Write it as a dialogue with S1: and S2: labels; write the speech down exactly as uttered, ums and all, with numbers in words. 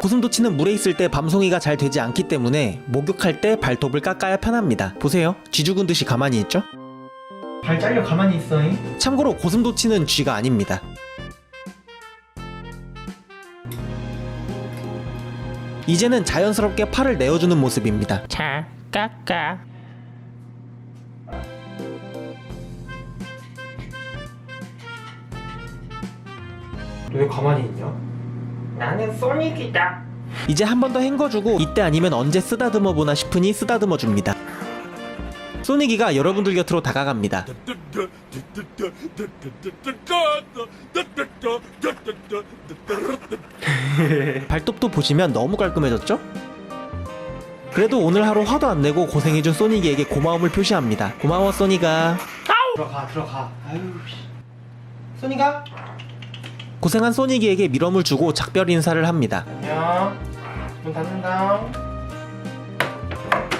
S1: 고슴도치는 물에 있을 때 밤송이가 잘 되지 않기 때문에 목욕할 때 발톱을 깎아야 편합니다. 보세요, 쥐 죽은 듯이 가만히 있죠? 발 잘려 가만히 있어잉. 참고로 고슴도치는 쥐가 아닙니다. 이제는 자연스럽게 팔을 내어주는 모습입니다.
S2: 자, 깎아.
S1: 왜 가만히 있냐?
S2: 나는 소닉이다.
S1: 이제 한 번 더 헹궈주고 이때 아니면 언제 쓰다듬어 보나 싶으니 쓰다듬어 줍니다. 소닉이가 여러분들 곁으로 다가갑니다. 발톱도 보시면 너무 깔끔해졌죠? 그래도 오늘 하루 화도 안 내고 고생해준 소닉이에게 고마움을 표시합니다. 고마워 소닉아. 들어가 들어가. 아유 소닉아. 고생한 소닉이에게 밀어물 주고 작별 인사를 합니다. 안녕. 문 닫는다.